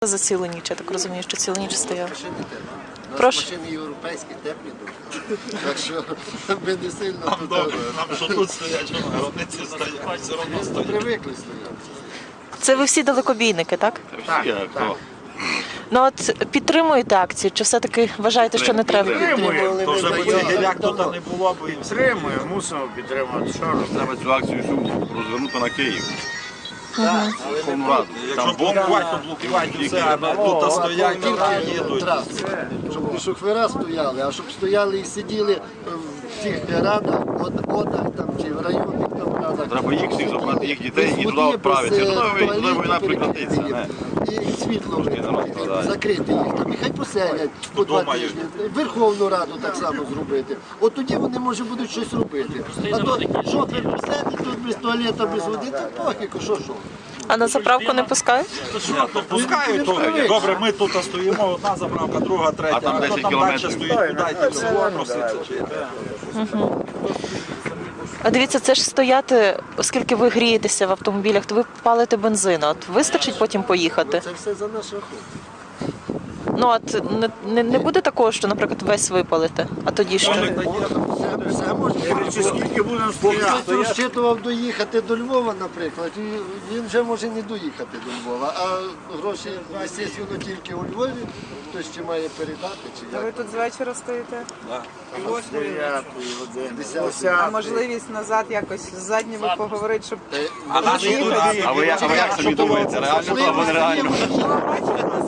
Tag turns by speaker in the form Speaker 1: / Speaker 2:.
Speaker 1: за цілу ніч? Я так розумію, що цілу ніч стояли.
Speaker 2: Машини теплі. У нас
Speaker 1: Прошу.
Speaker 2: машини європейські, теплі дуже. Так що ми не сильно тут
Speaker 3: Нам що тут стоять, що на гробниці стоять, все одно стоять.
Speaker 2: привикли стояти.
Speaker 1: Це ви всі далекобійники, так? Ну от підтримуєте акцію, чи все-таки вважаєте, що не треба?
Speaker 2: Підтримували,
Speaker 3: То
Speaker 2: ми
Speaker 3: вже б
Speaker 2: даємо
Speaker 3: цих гіляк тут
Speaker 2: давно.
Speaker 3: не було б.
Speaker 4: Підтримуємо, мусимо підтримати. Що робити?
Speaker 5: Треба цю акцію всю розвернути на Київ. Верховну Раду.
Speaker 3: Якщо блокувати, то блокувати все, а тут стоять, тільки їдуть.
Speaker 2: Траси. Щоб не шофера стояли, а щоб стояли і сиділи в цих радах, одах там, чи в районних там радах.
Speaker 5: Треба їх всіх забрати, їх дітей і
Speaker 2: Без
Speaker 5: туди
Speaker 2: води,
Speaker 5: відправити.
Speaker 2: без,
Speaker 5: Туди
Speaker 2: туалетів
Speaker 5: війна прекратиться.
Speaker 2: перекрити
Speaker 5: не.
Speaker 2: їм. І світло
Speaker 5: народ страдає.
Speaker 2: закрити їх там. І хай поселять по 2
Speaker 3: Думаю.
Speaker 2: тижні. Верховну Раду так само зробити. От тоді вони, може, будуть щось робити. А то шофер посадить тут без туалета, без води, то похіку, що.
Speaker 1: А на заправку не пускають?
Speaker 3: То пускають, то добре, ми тут стоїмо, одна заправка, друга, третя,
Speaker 5: А там 10
Speaker 3: далі
Speaker 5: кілометрів.
Speaker 3: стоїть, куди йти, всього проситься, чи йде.
Speaker 1: А дивіться, це ж стояти, оскільки ви грієтеся в автомобілях, то ви палите бензин. От вистачить потім поїхати?
Speaker 2: Це все за наш рахунок.
Speaker 1: Ну от не буде такого, що, наприклад, весь випалите, а тоді що?
Speaker 2: Все можна.
Speaker 4: Чи скільки будемо
Speaker 2: Бо
Speaker 4: стояти?
Speaker 2: хтось розчитував доїхати до Львова, наприклад, і він вже може не доїхати до Львова, а гроші, звісно, тільки у Львові, хтось ще має передати, чи
Speaker 6: Ви
Speaker 2: як.
Speaker 6: тут з вечора стоїте? А можливість назад якось з задніми поговорити, щоб
Speaker 3: А наші тут,
Speaker 5: А ви як собі думаєте, реально то або нереально?
Speaker 6: бачили нас